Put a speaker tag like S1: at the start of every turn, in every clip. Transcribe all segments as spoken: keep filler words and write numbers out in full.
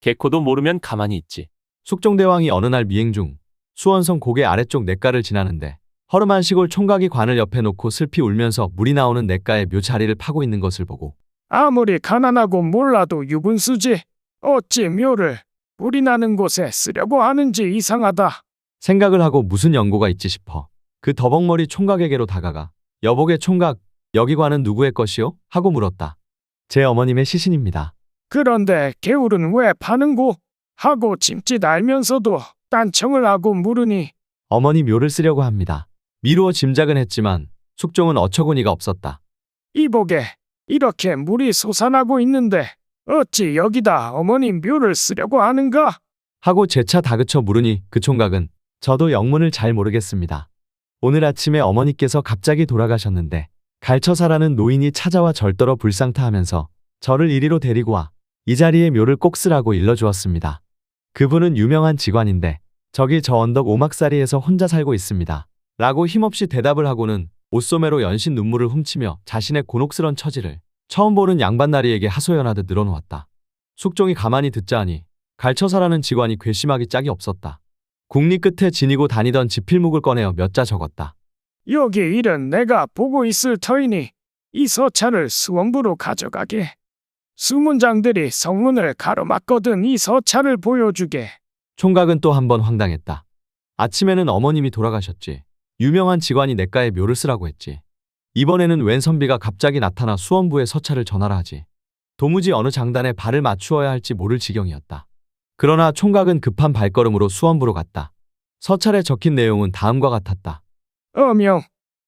S1: 개코도 모르면 가만히 있지.
S2: 숙종대왕이 어느 날 미행 중 수원성 고개 아래쪽 냇가를 지나는데 허름한 시골 총각이 관을 옆에 놓고 슬피 울면서 물이 나오는 냇가에 묘자리를 파고 있는 것을 보고
S3: 아무리 가난하고 몰라도 유분수지. 어찌 묘를 불이 나는 곳에 쓰려고 하는지 이상하다.
S2: 생각을 하고 무슨 연고가 있지 싶어 그 더벅머리 총각에게로 다가가 여보게 총각, 여기 관은 누구의 것이요? 하고 물었다. 제 어머님의 시신입니다.
S3: 그런데 개울은 왜 파는고? 하고 짐짓 알면서도 딴청을 하고 물으니
S2: 어머니 묘를 쓰려고 합니다. 미루어 짐작은 했지만 숙종은 어처구니가 없었다.
S3: 이보게 이렇게 물이 솟아나고 있는데 어찌 여기다 어머니 묘를 쓰려고 하는가?
S2: 하고 재차 다그쳐 물으니 그 총각은 저도 영문을 잘 모르겠습니다. 오늘 아침에 어머니께서 갑자기 돌아가셨는데 갈처사라는 노인이 찾아와 절더러 불상타하면서 저를 이리로 데리고 와 이 자리에 묘를 꼭 쓰라고 일러주었습니다. 그분은 유명한 직관인데 저기 저 언덕 오막사리에서 혼자 살고 있습니다. 라고 힘없이 대답을 하고는 옷소매로 연신 눈물을 훔치며 자신의 곤혹스런 처지를 처음 보는 양반나리에게 하소연하듯 늘어놓았다. 숙종이 가만히 듣자 하니 갈처사라는 직관이 괘씸하기 짝이 없었다. 국리 끝에 지니고 다니던 지필묵을 꺼내어 몇 자 적었다.
S3: 여기 일은 내가 보고 있을 터이니 이 서찰을 수원부로 가져가게. 수문장들이 성문을 가로막거든 이 서찰을 보여주게.
S2: 총각은 또 한 번 황당했다. 아침에는 어머님이 돌아가셨지. 유명한 직관이 냇가에 묘를 쓰라고 했지. 이번에는 웬 선비가 갑자기 나타나 수원부에 서찰을 전하라 하지. 도무지 어느 장단에 발을 맞추어야 할지 모를 지경이었다. 그러나 총각은 급한 발걸음으로 수원부로 갔다. 서찰에 적힌 내용은 다음과 같았다.
S3: 어명,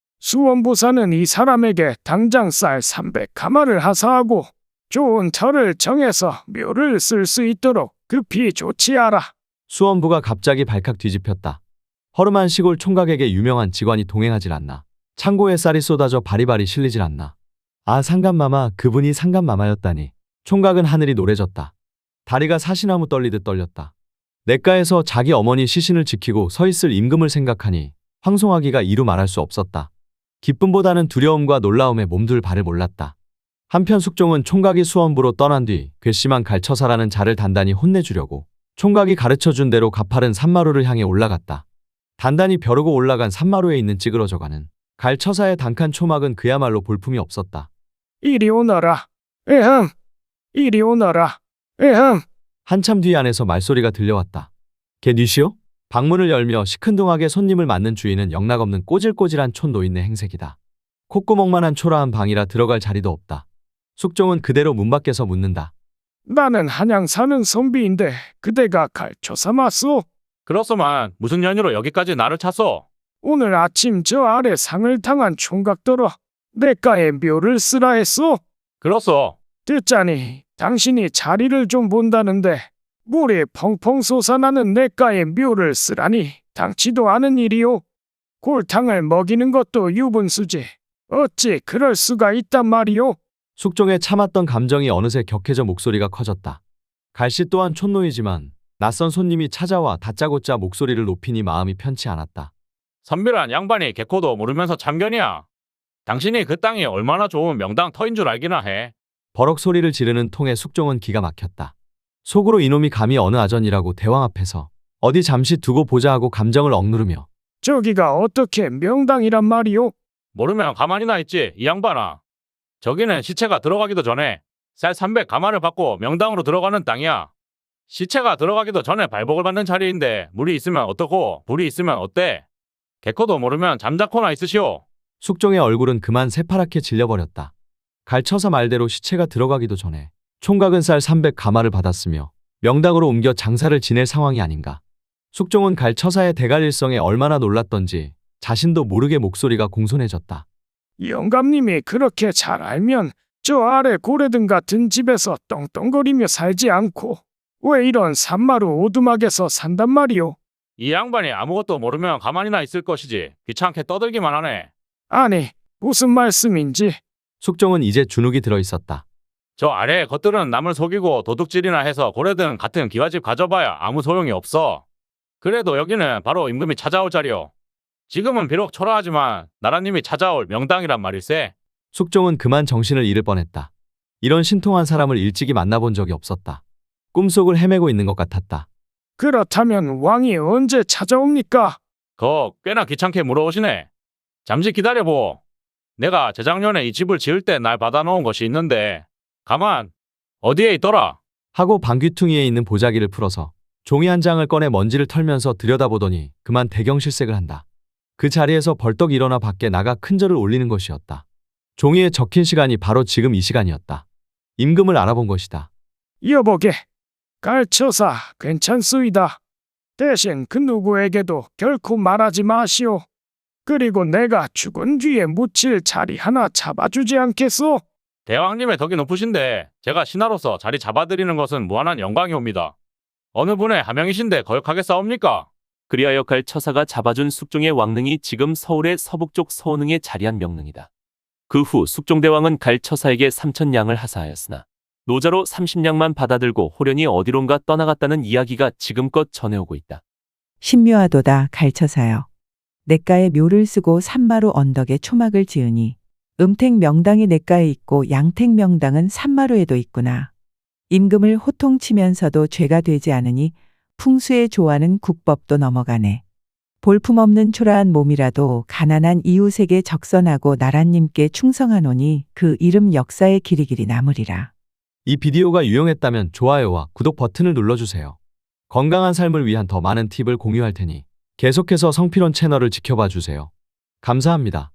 S3: 수원부사는 이 사람에게 당장 쌀 삼백 가마를 하사하고 좋은 터를 정해서 묘를 쓸 수 있도록 급히 조치하라.
S2: 수원부가 갑자기 발칵 뒤집혔다. 허름한 시골 총각에게 유명한 직관이 동행하질 않나. 창고에 쌀이 쏟아져 바리바리 실리질 않나. 아, 상감마마, 그분이 상감마마였다니. 총각은 하늘이 노래졌다. 다리가 사시나무 떨리듯 떨렸다. 냇가에서 자기 어머니 시신을 지키고 서 있을 임금을 생각하니 황송하기가 이루 말할 수 없었다. 기쁨보다는 두려움과 놀라움에 몸둘 바를 몰랐다. 한편 숙종은 총각이 수원부로 떠난 뒤 괘씸한 갈처사라는 자를 단단히 혼내주려고 총각이 가르쳐준 대로 가파른 산마루를 향해 올라갔다. 단단히 벼르고 올라간 산마루에 있는 찌그러져가는 갈처사의 단칸 초막은 그야말로 볼품이 없었다.
S3: 이리 오너라. 에흠. 이리 오너라. 에흠.
S2: 한참 뒤 안에서 말소리가 들려왔다. 개 뉘시오? 방문을 열며 시큰둥하게 손님을 맞는 주인은 영락없는 꼬질꼬질한 촌 노인네 행색이다. 콧구멍만한 초라한 방이라 들어갈 자리도 없다. 숙종은 그대로 문 밖에서 묻는다.
S3: 나는 한양 사는 선비인데 그대가 갈초사 맞소?
S1: 그렇소만 무슨 연유로 여기까지 나를 찾소?
S3: 오늘 아침 저 아래 상을 당한 총각더러 냇가에 묘를 쓰라 했소?
S1: 그렇소.
S3: 듣자니 당신이 자리를 좀 본다는데 물이 펑펑 솟아나는 냇가에 묘를 쓰라니 당치도 않은 일이오. 골탕을 먹이는 것도 유분수지. 어찌 그럴 수가 있단 말이오.
S2: 숙종의 참았던 감정이 어느새 격해져 목소리가 커졌다. 갈씨 또한 촌노이지만 낯선 손님이 찾아와 다짜고짜 목소리를 높이니 마음이 편치 않았다.
S1: 선비란 양반이 개코도 모르면서 참견이야. 당신이 그 땅이 얼마나 좋은 명당 터인 줄 알기나 해.
S2: 버럭 소리를 지르는 통에 숙종은 기가 막혔다. 속으로 이놈이 감히 어느 아전이라고 대왕 앞에서 어디 잠시 두고 보자 하고 감정을 억누르며
S3: 저기가 어떻게 명당이란 말이오?
S1: 모르면 가만히나 있지 이 양반아. 저기는 시체가 들어가기도 전에 쌀 삼백 가마를 받고 명당으로 들어가는 땅이야. 시체가 들어가기도 전에 발복을 받는 자리인데 물이 있으면 어떻고 불이 있으면 어때? 개코도 모르면 잠자코나 있으시오.
S2: 숙종의 얼굴은 그만 새파랗게 질려버렸다. 갈처사 말대로 시체가 들어가기도 전에 총각은 쌀 삼백 가마를 받았으며 명당으로 옮겨 장사를 지낼 상황이 아닌가. 숙종은 갈처사의 대갈일성에 얼마나 놀랐던지 자신도 모르게 목소리가 공손해졌다.
S3: 영감님이 그렇게 잘 알면 저 아래 고래등 같은 집에서 떵떵거리며 살지 않고 왜 이런 산마루 오두막에서 산단 말이오?
S1: 이 양반이 아무것도 모르면 가만히나 있을 것이지 귀찮게 떠들기만 하네.
S3: 아니, 무슨 말씀인지.
S2: 숙종은 이제 주눅이 들어 있었다.
S1: 저 아래의 것들은 남을 속이고 도둑질이나 해서 고래등 같은 기와집 가져봐야 아무 소용이 없어. 그래도 여기는 바로 임금이 찾아올 자리요. 지금은 비록 초라하지만 나라님이 찾아올 명당이란 말일세.
S2: 숙종은 그만 정신을 잃을 뻔했다. 이런 신통한 사람을 일찍이 만나본 적이 없었다. 꿈속을 헤매고 있는 것 같았다.
S3: 그렇다면 왕이 언제 찾아옵니까?
S1: 거 꽤나 귀찮게 물어오시네. 잠시 기다려보. 내가 재작년에 이 집을 지을 때 날 받아놓은 것이 있는데 가만 어디에 있더라?
S2: 하고 방귀퉁이에 있는 보자기를 풀어서 종이 한 장을 꺼내 먼지를 털면서 들여다보더니 그만 대경실색을 한다. 그 자리에서 벌떡 일어나 밖에 나가 큰절을 올리는 것이었다. 종이에 적힌 시간이 바로 지금 이 시간이었다. 임금을 알아본 것이다.
S3: 여보게, 갈처사 괜찮소이다. 대신 그 누구에게도 결코 말하지 마시오. 그리고 내가 죽은 뒤에 묻힐 자리 하나 잡아주지 않겠소?
S1: 대왕님의 덕이 높으신데 제가 신하로서 자리 잡아드리는 것은 무한한 영광이옵니다. 어느 분의 하명이신데 거역하게 싸웁니까?
S4: 그리하여 갈처사가 잡아준 숙종의 왕릉이 지금 서울의 서북쪽 서원흥에 자리한 명릉이다. 그 후 숙종대왕은 갈처사에게 삼천 냥을 하사하였으나 노자로 삼십 냥만 받아들고 호련히 어디론가 떠나갔다는 이야기가 지금껏 전해오고 있다.
S5: 신묘하도다 갈처사여. 냇가에 묘를 쓰고 산마루 언덕에 초막을 지으니 음택 명당이 냇가에 있고 양택 명당은 산마루에도 있구나. 임금을 호통치면서도 죄가 되지 않으니 풍수에 좋아하는 국법도 넘어가네. 볼품없는 초라한 몸이라도 가난한 이웃에게 적선하고 나라님께 충성하노니 그 이름 역사의 길이 길이 남으리라.
S2: 이 비디오가 유용했다면 좋아요와 구독 버튼을 눌러주세요. 건강한 삶을 위한 더 많은 팁을 공유할 테니 계속해서 성필원 채널을 지켜봐 주세요. 감사합니다.